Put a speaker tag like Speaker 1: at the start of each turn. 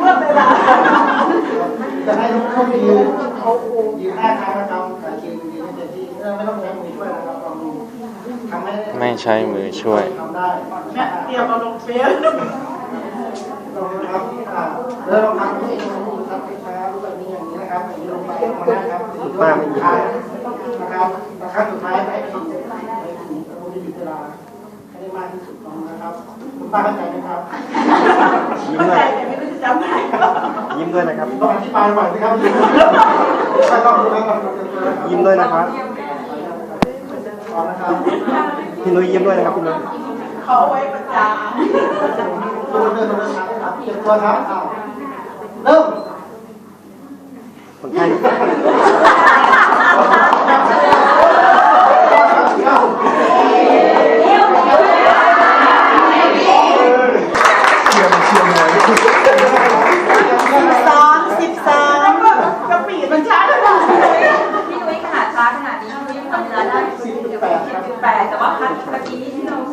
Speaker 1: จะให้ทุกคนยืนหน้าทางนะครับแต่ยืนให้เต็มที่ไม่ต้องใช้มือช่วยนะครับลองดูทำให้
Speaker 2: ไม่ใช้มือช่วย
Speaker 1: ทำได้
Speaker 3: แม่เตรียมมาลงเฟซ
Speaker 1: ลงนะครับแล้วเราทำให้ดูครับช้าๆแบบนี้อย่างนี้นะครับอย่างนี้ลงไปลงมานะครับมากสุดท้ายนะครับขั้นสุดท้ายให้ถึงเราจะหยุดเวลาให้ได้มากที่สุดนะครับคุณป้าเข้าใจไหมครับ
Speaker 3: เข้าใจแต่ไม่รู้จะจำได้
Speaker 2: ยิ้มด้วยนะครับ
Speaker 1: ต้องอธิบายบ่อยนะครับ
Speaker 2: ยิ้มด้วยนะครับ
Speaker 1: นะครับ
Speaker 2: พี่นุ้ยยิ้มด้วยนะครับพี่นุ้ย
Speaker 3: เขาไว้ประจาน
Speaker 1: ตัวเดินมาครับเก็บตัวครับเริ่ม
Speaker 2: คนไข้
Speaker 3: กระปีมันช้าขนาด
Speaker 4: พี่นุ้ยขนาดช้าขนาดนี้พี่นุ้ยยังทำเวลาได้10.8แต่ว่าพัดเมื่อกี้ที่เรา